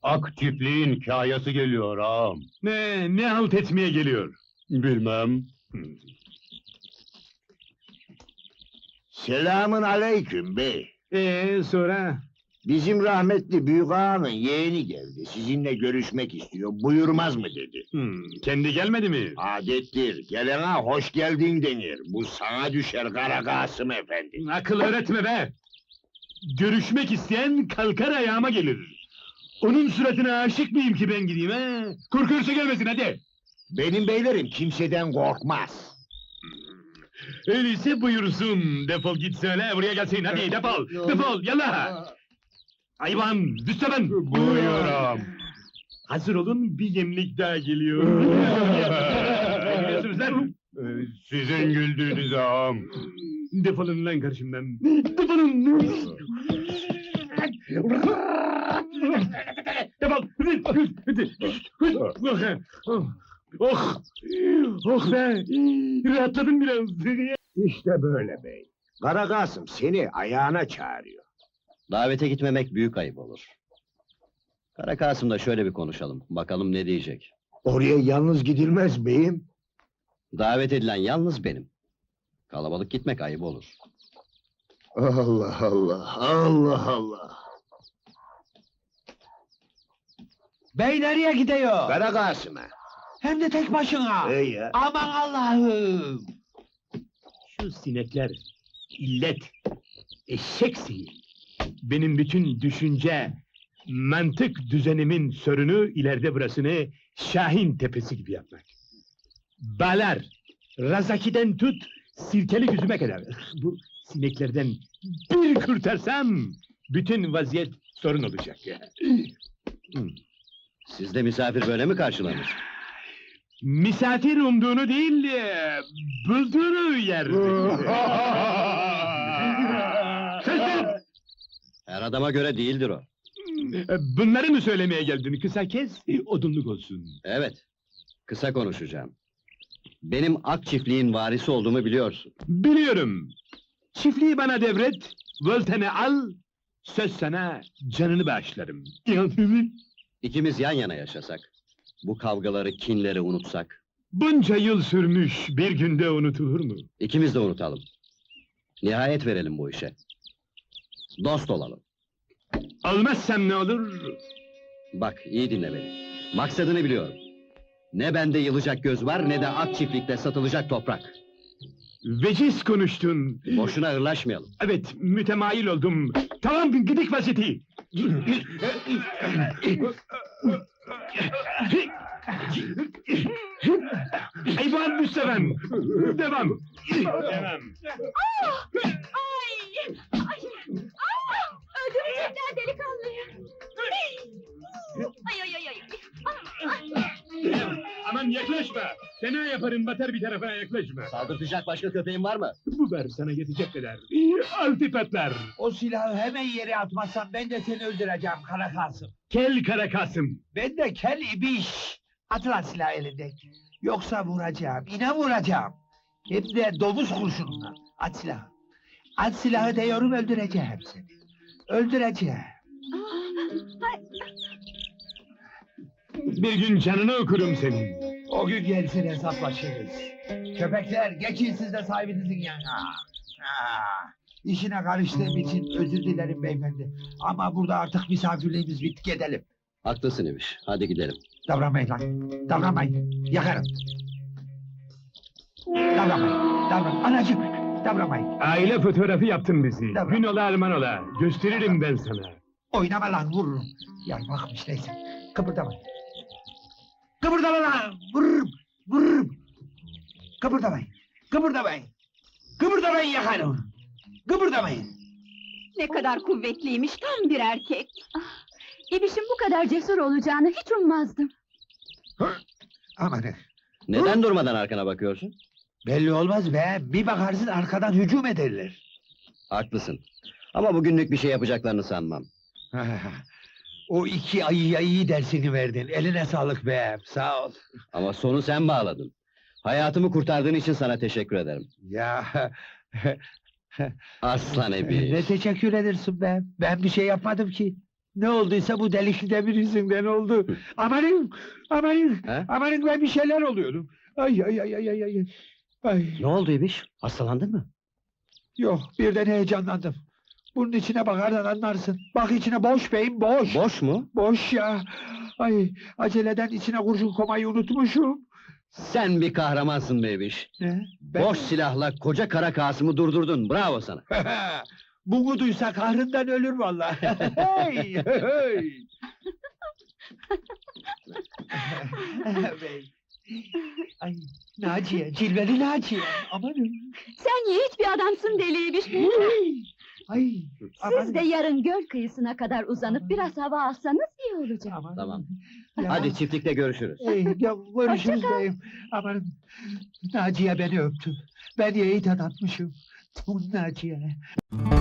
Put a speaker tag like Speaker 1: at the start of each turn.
Speaker 1: Ak çiftliğin kayası geliyor ağam.
Speaker 2: Ne halt etmeye geliyor?
Speaker 1: Bilmem.
Speaker 3: Selamın aleyküm bey.
Speaker 2: Sonra?
Speaker 3: Bizim rahmetli büyük ağanın yeğeni geldi. Sizinle görüşmek istiyor. Buyurmaz mı dedi.
Speaker 2: Kendi gelmedi mi?
Speaker 3: Adettir. Gelene hoş geldin denir. Bu sana düşer Kara Kasım efendi.
Speaker 2: Akıl öğretme be! Görüşmek isteyen kalkar ayağıma gelir. Onun suratına aşık mıyım ki ben gideyim he? Korkuyorsa gelmesin hadi!
Speaker 3: Benim beylerim kimseden korkmaz.
Speaker 2: Öyleyse buyursun, defol git söyle, buraya gelsin, hadi defol, defol, yallah! Hayvan, Müsteven!
Speaker 1: Buyur ağam.
Speaker 2: Hazır olun, bir yemlik daha geliyor. Ne gülüyorsunuz lan?
Speaker 1: Sizin güldüğünüz ağam.
Speaker 2: Defolun lan karşımdan, defolun! Defol! Oh! Oh be! Rahatladım biraz!
Speaker 3: İşte böyle bey. Kara Kasım seni ayağına çağırıyor.
Speaker 4: Davete gitmemek büyük ayıp olur. Kara Kasım'la şöyle bir konuşalım, bakalım ne diyecek.
Speaker 3: Oraya yalnız gidilmez beyim.
Speaker 4: Davet edilen yalnız benim. Kalabalık gitmek ayıp olur.
Speaker 3: Allah Allah, Allah Allah.
Speaker 5: Bey nereye gidiyor?
Speaker 3: Kara Kasım'a.
Speaker 5: Hem de tek başına.
Speaker 3: Ey ya.
Speaker 5: Aman Allah'ım!
Speaker 2: Şu sinekler, illet, eşek sihir. Benim bütün düşünce, mantık düzenimin sörünü ileride burasını Şahin Tepesi gibi yapmak. Balar, Razaki'den tut, sirkeli yüzüme kadar. Bu sineklerden bir kurtarsam, bütün vaziyet sorun olacak.
Speaker 4: Sizde misafir böyle mi karşılanır?
Speaker 2: Misafir umduğunu değil, bulduğunu yer. Sesin!
Speaker 4: Her adama göre değildir o.
Speaker 2: Bunları mı söylemeye geldin? Kısa kes, odunluk olsun.
Speaker 4: Evet, kısa konuşacağım. Benim Ak çiftliğin varisi olduğumu biliyorsun.
Speaker 2: Biliyorum. Çiftliği bana devret, volteni al, söz sana canını bağışlarım.
Speaker 4: İkimiz yan yana yaşasak, bu kavgaları, kinleri unutsak,
Speaker 2: Bunca yıl sürmüş, bir günde unutulur mu?
Speaker 4: ikimiz de unutalım. Nihayet verelim bu işe. Dost olalım.
Speaker 2: Olmazsam ne olur?
Speaker 4: Bak, iyi dinle beni. Maksadını biliyorum. Ne bende yılacak göz var, ne de Ak çiftlikte satılacak toprak.
Speaker 2: Veciz konuştun.
Speaker 4: Boşuna hırlaşmayalım.
Speaker 2: Evet, mütemayil oldum. Tamam, gidik vaziyeti. Hayvan Müsteven! Devam! Devam!
Speaker 6: Öldürecekler delikanlıyı! Ay ay ay ay!
Speaker 2: Aman yaklaşma! Fena yaparım, batar bir tarafa, yaklaşma!
Speaker 4: Saldırtacak başka köpeğin var mı?
Speaker 2: Bu ver sana yetecek kadar. Altı patlar!
Speaker 5: O silahı hemen yere atmazsan ben de seni öldüreceğim Kara Kasım.
Speaker 2: Kel Kara Kasım!
Speaker 5: Ben de kel ibiş. At lan silahı elindeki. Yoksa vuracağım, yine vuracağım. Hem de domuz kurşununa. At silahı. At silahı diyorum, öldüreceğim seni. Öldüreceğim.
Speaker 2: Bir gün canını okurum senin.
Speaker 5: O gün gelsin hesaplaşırız. Köpekler, geçin siz de sahibinizin yanına. İşine karıştığım için özür dilerim beyefendi. Ama burada artık misafirliğimiz bitti, gidelim.
Speaker 4: Haklısın İbiş, hadi gidelim.
Speaker 5: Davranmayın lan, davranmayın. Yakarım. Davranmayın, anacığım, davranmayın.
Speaker 2: Aile fotoğrafı yaptın bizi.
Speaker 5: Tamam.
Speaker 2: Gün ola Alman ola. Gösteririm ben sana.
Speaker 5: Oynama lan, vururum. Yarmakmış neyse, kıpırdamayın. Kıpırdama lan, vururum. Kıpırdamayın, kıpırdamayın yakarım. Kıpırdamayın.
Speaker 6: Ne kadar kuvvetliymiş, tam bir erkek! İbiş'in bu kadar cesur olacağını hiç ummazdım.
Speaker 5: Amanın.
Speaker 4: Neden durmadan arkana bakıyorsun?
Speaker 5: Belli olmaz be, bir bakarsın arkadan hücum ederler.
Speaker 4: Haklısın. Ama bugünlük bir şey yapacaklarını sanmam.
Speaker 5: O iki ayıya iyi dersini verdin, eline sağlık be, sağ ol.
Speaker 4: Ama sonu sen bağladın. Hayatımı kurtardığın için sana teşekkür ederim.
Speaker 5: Ya,
Speaker 4: Aslan Ebi.
Speaker 5: ne teşekkür edersin be, ben bir şey yapmadım ki. Ne olduysa bu delikli demir yüzünden oldu. Amanın, amanın,
Speaker 4: He?
Speaker 5: amanın ben bir şeyler oluyorum. Ay ay ay ay ay ay. Ay,
Speaker 4: Ne oldu İbiş? Hastalandın mı?
Speaker 5: yok birden heyecanlandım. Bunun içine bakarsan anlarsın. Bak içine boş beyim boş.
Speaker 4: Boş mu?
Speaker 5: Boş ya. Ay aceleden içine kurşun komayı unutmuşum.
Speaker 4: Sen bir kahramansın be İbiş.
Speaker 5: Ne? Ben-
Speaker 4: Boş silahla koca kara Kasım'ı durdurdun. Bravo sana.
Speaker 5: Bunu duysa kahrından ölür vallahi. Hey, hey. Bey. Ay, Naciye, cilveli Naciye. Amanın.
Speaker 6: Sen yiğit bir adamsın Deli İbiş.
Speaker 5: Hey. Ay,
Speaker 6: Siz de yarın göl kıyısına kadar uzanıp biraz hava alsanız iyi olacak.
Speaker 5: aman.
Speaker 4: Tamam.
Speaker 5: Ya.
Speaker 4: Hadi çiftlikte görüşürüz.
Speaker 5: Ey, ya, görüşürüz
Speaker 6: Hoşça kal.
Speaker 5: beyim. Aman. Naciye beni öptü. Ben yiğit adammışım. Naciye.